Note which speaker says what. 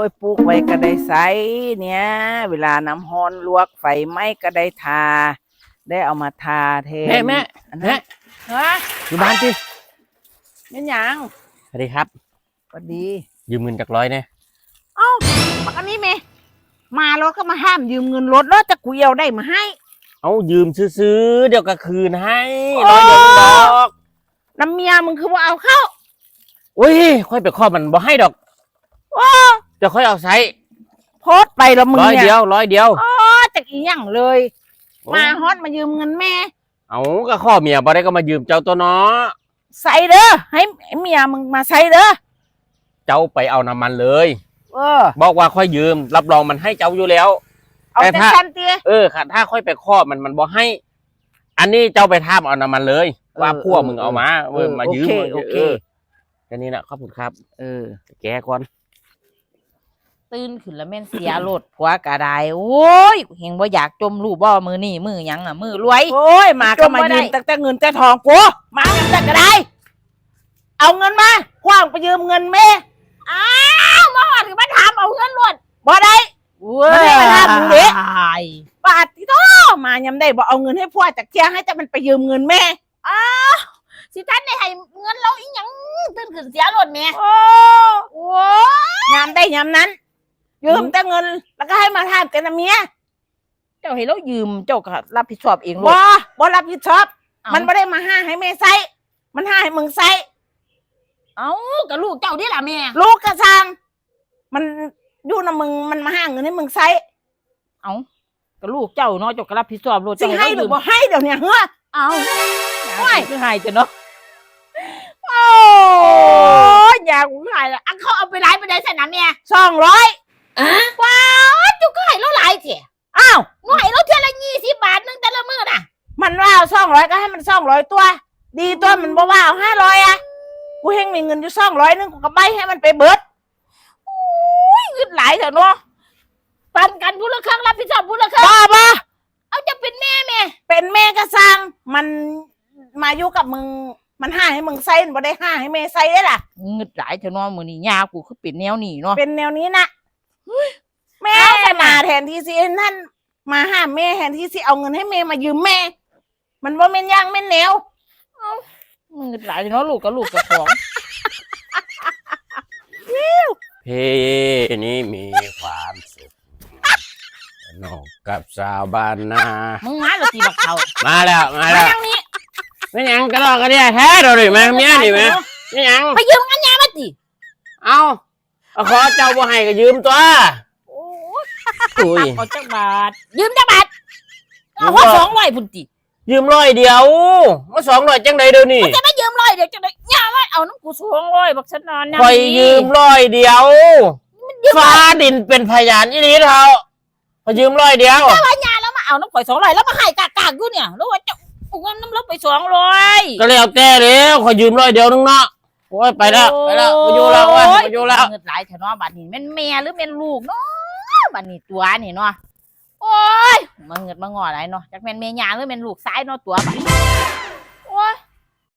Speaker 1: ยปลูกไว้ก็ได้ใส่เนี่ยเวลาน้ำฮ้อนลวกไฟไหม้ก็ได้ทาได้เอามาทาแทน
Speaker 2: แม่
Speaker 1: อัน
Speaker 2: แม่
Speaker 1: นั้นฮะ
Speaker 2: อยู่บ้านสิ
Speaker 1: เป็นหยัง
Speaker 2: สวัสดีครับ
Speaker 1: สวัสดี
Speaker 2: ยืมเงินจากร้อยเนี่ย
Speaker 1: เอ้าปักอันนี้เมมารถก็มาห้ามยืมเงินรถแล้วจะกูเอาได้มาให้
Speaker 2: เอายืมซื้อๆเดี๋ยวก็คืนให้
Speaker 1: โอ้
Speaker 2: ร้อยเดียวดอก
Speaker 1: น้ำเมียมึงคือว่าเอาเข้า
Speaker 2: อุ้ยค่อยไปข้อมันบ่ให้ดอก
Speaker 1: โอ้
Speaker 2: จะค่อยเอาใช้
Speaker 1: โพสต์ไปแล้วมึง
Speaker 2: ร้อย
Speaker 1: เนี่
Speaker 2: เดี
Speaker 1: ย
Speaker 2: ยวร้อยเดียว
Speaker 1: อ๋อจากอีหยังเลย มาฮอตมายืมเงินแม่
Speaker 2: เอาก็ข้อเมียบ่ได้ก็มายืมเจ้าตัวเนาะ
Speaker 1: ใส่เด้อให้เมียมึงมาใส่เด้อ
Speaker 2: เจ้าไปเอาน้ำมันเลย
Speaker 1: บอก
Speaker 2: ว่าค่อยยืมรับรองมันให้เจ้าอยู่แล้ว
Speaker 1: เอา
Speaker 2: แต่
Speaker 1: แต่
Speaker 2: ถ้า
Speaker 1: ชันเตี้ย
Speaker 2: ค่ะถ้าค่อยไปข้อมันบ่ให้ อันนี้เจ้าไปท่ามเอาน้ำมันเลย ว่าพวกมึงเอามามายืม
Speaker 1: โอเค
Speaker 2: แค่นี้นะขอบคุณครับ แกก่อน
Speaker 3: ตื่นขึ้นแล้วแม่นเสียรถผัวกระไดโอ้ยเฮงบ่อยากจมรูปบ่มือนี่มือหยังอ่ะมือรวย
Speaker 1: โอ้ยมาก็มา
Speaker 3: จมบ่ได้
Speaker 1: ยืมแต่เงินแต่ทองกูมากันแต่ก็ได้ เอาเงินมาคว้างไปยืมเงินแม่
Speaker 3: อ้าวมาหอดคือมาถามเอาเงินรถ
Speaker 1: บ่ได้ มันไม่มาถามมึงเด้
Speaker 3: ย
Speaker 1: ปาดที่โตมายำได้บ่เอาเงินให้พ่อจากเที่ยให้แต่มันไปยืมเงินแม่
Speaker 3: สิท่านได้ให้เงินเราอีหยังตื่นขึ้นเสียรถแม่
Speaker 1: โอ้
Speaker 3: โอ้ย
Speaker 1: ยามได้ยามนั้น ยืมแต่เงินแล้วก็ให้มาทานกันนะเมีย
Speaker 3: เจ้าให้เรายืมเจ้าก็รับผิดชอบเองรถ
Speaker 1: บ่รับผิดชอบ
Speaker 3: เอ้า
Speaker 1: มันไม่ได้มาห้าให้แม่ใส่มันห้าให้มึงใส่
Speaker 3: เอ้ากับลูกเจ้าดิล่ะแม่
Speaker 1: ลูกกระซังมันอยู่นะมึงมันมาห้าเงินให้มึงใส่
Speaker 3: เอ้ากับลูกเจ้าเนาะเจ้าก็รับผิดชอบรถ
Speaker 1: สิให้หรือบ่ให้เดี๋ยวเนี้เฮ้อ
Speaker 3: เอ้า
Speaker 1: โอ้ย
Speaker 3: คือให้จ้ะเนาะ
Speaker 1: โอ้ยอยากหายละ
Speaker 3: อันเขาเอาไปไลฟ์ไปได้ใส่น้ำแม่
Speaker 1: 200
Speaker 3: ว้าวเจ้าก็ให้เราหลายเถอะ
Speaker 1: อ้าว
Speaker 3: หน่วยเราเท่าละ20 บาทนึงแต่ละมื้อน่ะ
Speaker 1: มันว่าเอา200ก็ให้มัน200ตัว ดีตัวมันบ่ว่าเอา500อ่ะกูเฮงมีเงินอยู่200นึงกูก็ใบให้มันไปเบิด
Speaker 3: เงินหลายเถอะเนาะปันกันผู้ละครึ่งรับผิดชอบผู้ละครึ่ง
Speaker 1: บ้า
Speaker 3: เอาจะเป็นแม่แม่
Speaker 1: เป็นแม่ก็สร้างมันมาอยู่กับมึงมันห้าให้มึงใส่บ่ได้ห้าให้แม่ใส่ได้ล่ะ
Speaker 3: เงินหลายเถอะเนาะมื้อนี้ยากูคือเป็นแนวนี้เนาะ
Speaker 1: เป็นแนวนี้นะแม่มาแทนที่สิท่านมาห้ามแม่แทนที่สิเอาเงินให้แม่มายืมแม่ มันว่าแม่นย่างแม่นแนว
Speaker 3: เงินหลายเถอะเนาะลูกกับลูกกับของ
Speaker 2: เพนี้มีความสุขนอกกับสาวบ้านนา
Speaker 3: มึงมาแล้วตีบักเขา
Speaker 2: มาแล้ว
Speaker 3: มาทางนี้
Speaker 2: ไม่ยังกระดอกกระเดียแท้เราดิแม่เมียดิแม่ไม่ยัง
Speaker 3: ไปยืมเงินยามาติ
Speaker 2: เอาขอเจ้าบ่ให้ก็ยืมตัว
Speaker 3: โอ้ย
Speaker 2: อุ้ย
Speaker 3: เอาจักบาทยืมจักบาทเอาหัว200พุ่นติ
Speaker 2: ยืม100เดียวมา200จังใดเดี๋ยวนี้
Speaker 3: จะมายืม100เดี๋ยวจะได้ยาไว้เอาน้ำกู200บักฉันนอนนะ
Speaker 2: คอยยืม100เดียวฟ้าดินเป็นพยานอีนี้เท่าพอยืม100เดียว
Speaker 3: แล้วมาเอาน้ำข่อย200แล้วมาให้กากๆอยู่เนี่ยแล้วว่าจะเอาเงินน้ำลบไป200
Speaker 2: ก็แล้วแต่เด้อขอยืม100เดียวนึงเนาะโอ้ยไปแล้วมาอยู่แล้วเว้ยมาอยู่แล้ว
Speaker 3: เงินหลายเถอะเนาะบัดนี้แม่นแม่หรือแม่นลูกเนาะบัดนี้ตัวนี่เนาะโอ้ยมันเงินมางอหลายเนาะจักแม่นแม่ย่าหรือแม่นลูกซ้ายเนาะตัวบัด